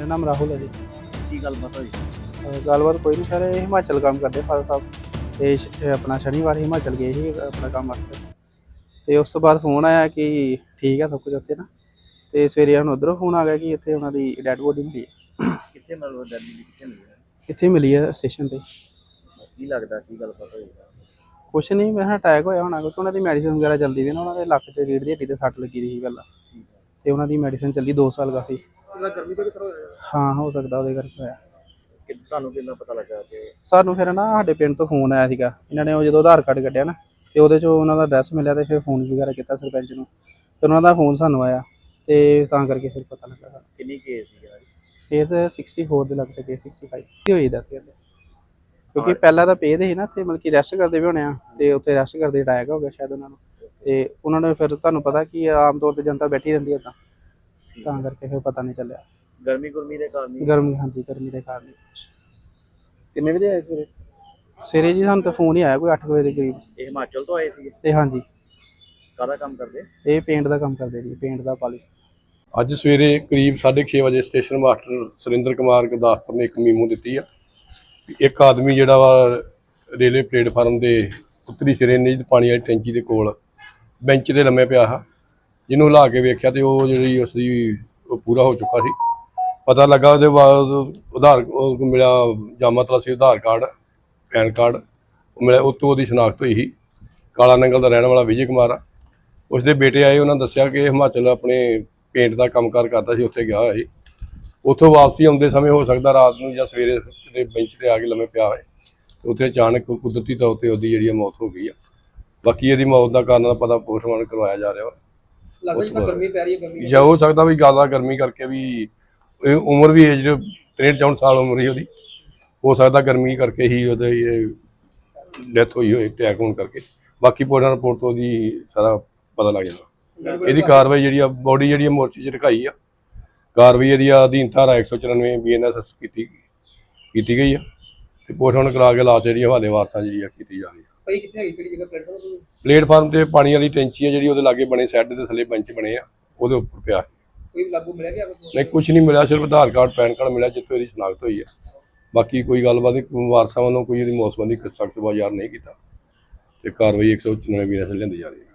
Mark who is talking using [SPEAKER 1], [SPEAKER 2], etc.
[SPEAKER 1] मेरा नाम राहुल है जी।
[SPEAKER 2] की गलबात होई?
[SPEAKER 1] गलबात कोई नहीं सर, हिमाचल काम करते फादर साहब ते अपना शनिवार हिमाचल गए ही अपना काम वास्ते। ते उस तो बाद फोन आया कि ठीक है सब कुछ उत्थे ना, ते सवेरे हुण उधरों फोन आ गया कि इत्थे उन्हां दी डेड बॉडी मिली है।
[SPEAKER 2] कित्थे मतलब दिल्ली दी कित्थे मिली है?
[SPEAKER 1] इत्थे मिली है स्टेशन ते।
[SPEAKER 2] की लगदा की गलबात होई?
[SPEAKER 1] कुछ नहीं, मैं अटैक होया होना क्योंकि उन्हां दी मेडिसिन वगैरह चलदी पई ना, उन्हां दे लक्क च रीढ़ दी हड्डी ते सट्ट लगी दी ही पहलां, ते उन्हां दी मेडिसिन चली 2 साल काफी।
[SPEAKER 2] गर्मी तो किस होया?
[SPEAKER 1] हाँ, हो सकदा ਉਹਦੇ ਕਰਕੇ ਹੋਇਆ।
[SPEAKER 2] कि ਤੁਹਾਨੂੰ ਕਿੰਨਾ ਪਤਾ ਲੱਗਾ ਕਿ
[SPEAKER 1] ਸਾਨੂੰ ਫਿਰ ਨਾ ਸਾਡੇ ਪਿੰਡ ਤੋਂ ਫੋਨ ਆਇਆ ਸੀਗਾ, ਇਹਨਾਂ ਨੇ ਉਹ ਜਦੋਂ ਆਧਾਰ ਕਾਰਡ ਕੱਢਿਆ ਨਾ ਤੇ ਉਹਦੇ 'ਚੋਂ ਉਹਨਾਂ ਦਾ ਐਡਰੈਸ ਮਿਲਿਆ ਤੇ ਫਿਰ ਫੋਨ ਵਗੈਰਾ ਕੀਤਾ ਸਰਪੰਚ ਨੂੰ, ਫਿਰ ਉਹਨਾਂ ਦਾ ਫੋਨ ਸਾਨੂੰ ਆਇਆ ਤੇ ਤਾਂ ਕਰਕੇ ਫਿਰ ਪਤਾ ਲੱਗਾ ਸਾਨੂੰ।
[SPEAKER 2] ਕਿੰਨੀ ਕੇਸ ਸੀ ਯਾਰ?
[SPEAKER 1] ਕੇਸ 64 ਦੇ ਲੱਗ ਸਕੇ 65 ਕੀ ਹੋਈ ਦਾ ਕਹਿੰਦੇ, ਕਿਉਂਕਿ ਪਹਿਲਾਂ ਤਾਂ ਪੇ ਦੇ ਸੀ ਨਾ ਤੇ ਮਤਲਬ ਕਿ ਰੈਸਟ ਕਰਦੇ ਵੀ ਹੋਣੇ ਆ, ਤੇ ਉੱਥੇ ਰੈਸਟ ਕਰਦੇ ਅਟੈਕ ਹੋ ਗਿਆ ਸ਼ਾਇਦ ਉਹਨਾਂ ਨੂੰ, ਤੇ ਉਹਨਾਂ ਨੇ ਫਿਰ ਤੁਹਾਨੂੰ ਪਤਾ ਕਿ ਆਮ ਤੌਰ ਤੇ ਜਨਤਾ ਬੈਠੀ ਰਹਿੰਦੀ ਹੈ ਤਾਂ ਕਰਕੇ ਫਿਰ ਪਤਾ ਨਹੀਂ ਚੱਲਿਆ।
[SPEAKER 2] ਗਰਮੀ ਗੁਰਮੀ ਦੇ ਕਾਰਨ ਹੀ?
[SPEAKER 1] ਗਰਮੀ, ਹਾਂਜੀ ਗਰਮੀ ਦੇ ਕਾਰਨ ਹੀ।
[SPEAKER 2] ਕਿੰਨੇ ਵਜੇ ਆਏ ਸਵੇਰੇ?
[SPEAKER 1] ਸਵੇਰੇ ਜੀ ਸਾਨੂੰ ਤਾਂ ਫੋਨ ਹੀ ਆਇਆ ਕੋਈ 8 ਵਜੇ ਦੇ ਕਰੀਬ।
[SPEAKER 2] ਇਹ ਹਿਮਾਚਲ ਤੋਂ ਆਏ ਸੀ?
[SPEAKER 1] ਤੇ ਹਾਂਜੀ,
[SPEAKER 2] ਕਾਹਦਾ ਕੰਮ ਕਰਦੇ?
[SPEAKER 1] ਇਹ ਪੇਂਟ ਦਾ ਕੰਮ ਕਰਦੇ ਜੀ, ਪੇਂਟ ਦਾ ਪਾਲਿਸ਼।
[SPEAKER 3] ਅੱਜ ਸਵੇਰੇ ਕਰੀਬ 6:30 ਵਜੇ ਸਟੇਸ਼ਨ ਮਾਸਟਰ ਸੁਰਿੰਦਰ ਕੁਮਾਰ ਗੁਰਦਾਸਪੁਰ ਨੇ ਇੱਕ ਮੀਮੋ ਦਿੱਤੀ ਆ ਵੀ ਇੱਕ ਆਦਮੀ ਜਿਹੜਾ ਵਾ ਰੇਲਵੇ ਪਲੇਟਫਾਰਮ ਦੇ ਉੱਤਰੀ ਸਿਰੇ ਨੀਂਦ ਪਾਣੀ ਵਾਲੀ ਟੈਂਕੀ ਦੇ ਕੋਲ ਬੈਂਚ ਤੇ ਲੰਮੇ ਪਿਆ ਆ, ਜਿਹਨੂੰ ਹਿਲਾ ਕੇ ਵੇਖਿਆ ਤੇ ਉਹ ਜਿਹੜੀ ਉਸਦੀ ਉਹ ਪੂਰਾ ਹੋ ਚੁੱਕਾ ਸੀ। ਪਤਾ ਲੱਗਾ ਉਹਦੇ ਬਾਅਦ ਉਹ ਮਿਲਿਆ ਜਾਮਾ ਤਲਾਸੀ ਆਧਾਰ ਕਾਰਡ, ਪੈਨ ਕਾਰਡ ਮਿਲਿਆ, ਉੱਤੋਂ ਉਹਦੀ ਸ਼ਨਾਖਤ ਹੋਈ ਸੀ। ਕਾਲਾ ਨੰਗਲ ਦਾ ਰਹਿਣ ਵਾਲਾ ਵਿਜੇ ਕੁਮਾਰ ਆ। ਉਸਦੇ ਬੇਟੇ ਆਏ, ਉਹਨਾਂ ਦੱਸਿਆ ਕਿ ਹਿਮਾਚਲ ਆਪਣੇ ਪੇਂਟ ਦਾ ਕੰਮਕਾਰ ਕਰਦਾ ਸੀ, ਉੱਥੇ ਗਿਆ ਹੋਇਆ ਸੀ। ਉੱਥੋਂ ਵਾਪਸੀ ਆਉਂਦੇ ਸਮੇਂ ਹੋ ਸਕਦਾ ਰਾਤ ਨੂੰ ਜਾਂ ਸਵੇਰੇ ਕਿਤੇ ਬੈਂਚ ਤੇ ਆ ਕੇ ਲੰਮੇ ਪਿਆ ਹੋਏ, ਤੇ ਉੱਥੇ ਅਚਾਨਕ ਕੁਦਰਤੀ ਤੌਰ ਤੇ ਉਹਦੀ ਜਿਹੜੀ ਮੌਤ ਹੋ ਗਈ ਆ। ਬਾਕੀ ਇਹਦੀ ਮੌਤ ਦਾ ਕਾਰਨ ਦਾ ਪਤਾ ਪੋਸਟਮਾਰਟਮ ਕਰਵਾਇਆ ਜਾ ਰਿਹਾ ਵਾ।
[SPEAKER 2] ਲੱਗਦਾ ਜਿਵੇਂ ਗਰਮੀ ਪੈ ਰਹੀ ਹੈ, ਗਰਮੀ
[SPEAKER 3] ਜਾਂ ਹੋ ਸਕਦਾ ਵੀ ਜ਼ਿਆਦਾ ਗਰਮੀ ਕਰਕੇ ਵੀ ਉਮਰ ਵੀ ਏਜ 63-64 ਸਾਲ ਉਮਰ ਹੀ ਉਹਦੀ, ਹੋ ਸਕਦਾ ਗਰਮੀ ਕਰਕੇ ਹੀ ਉਹਦੇ ਡੈਥ ਹੋਈ ਹੋਏ ਅਟੈਕ ਹੋਣ ਕਰਕੇ। ਬਾਕੀ ਪੋਸਟਮਾਰਟਮ ਰਿਪੋਰਟ ਤੋਂ ਉਹਦੀ ਸਾਰਾ ਪਤਾ ਲੱਗ ਜਾਣਾ। ਇਹਦੀ ਕਾਰਵਾਈ ਜਿਹੜੀ ਆ ਬੋਡੀ ਜਿਹੜੀ ਮੋਰਚੇ 'ਚ ਰਖਾਈ ਆ, ਕਾਰਵਾਈ ਇਹਦੀ ਅਧੀਨ ਧਾਰਾ 194 BNSS ਕੀਤੀ ਗਈ ਆ, ਤੇ ਪੋਸਟਮਾਰਟਮ ਕਰਾ ਕੇ ਲਾਸ਼ ਜਿਹੜੀ ਹਵਾਲੇ ਵਾਰਸਾਂ ਜਿਹੜੀ ਆ ਕੀਤੀ ਜਾ ਰਹੀ ਆ।
[SPEAKER 2] ਭਾਈ ਕਿੱਥੇ ਹੈਗੀ ਕਿਹੜੀ ਜਗ੍ਹਾ ਪਲੇਟਫਾਰਮ?
[SPEAKER 3] ਪਲੇਟਫਾਰਮ ਤੇ ਪਾਣੀ ਵਾਲੀ ਟੈਂਕੀ ਆ ਜਿਹੜੀ ਉਹਦੇ ਲਾਗੇ ਬਣੇ, ਸੈੱਡ ਦੇ ਥੱਲੇ ਬੈਂਚ ਬਣੇ ਆ, ਉਹਦੇ ਉੱਪਰ ਪਿਆ।
[SPEAKER 2] ਕੋਈ ਲਾਗੂ ਮਿਲਿਆ ਕਿ
[SPEAKER 3] ਨਹੀਂ, ਕੁਝ ਨਹੀਂ ਮਿਲਿਆ, ਸਿਰਫ ਆਧਾਰ ਕਾਰਡ ਪੈਨ ਕਾਰਡ ਮਿਲਿਆ ਜਿੱਥੇ ਇਹਦੀ ਸ਼ਨਾਖਤ ਹੋਈ ਆ। ਬਾਕੀ ਕੋਈ ਗੱਲਬਾਤ ਨਹੀਂ, ਵਾਰਸਾਂ ਵੱਲੋਂ ਕੋਈ ਇਹਦੀ ਮੌਤ ਸੰਬੰਧੀ ਸਖਤ ਬਾਜ਼ਾਰ ਨਹੀਂ ਕੀਤਾ, ਤੇ ਕਾਰਵਾਈ 194 BNSS ਲੈਂਦੀ ਜਾ ਰਹੀ ਹੈ।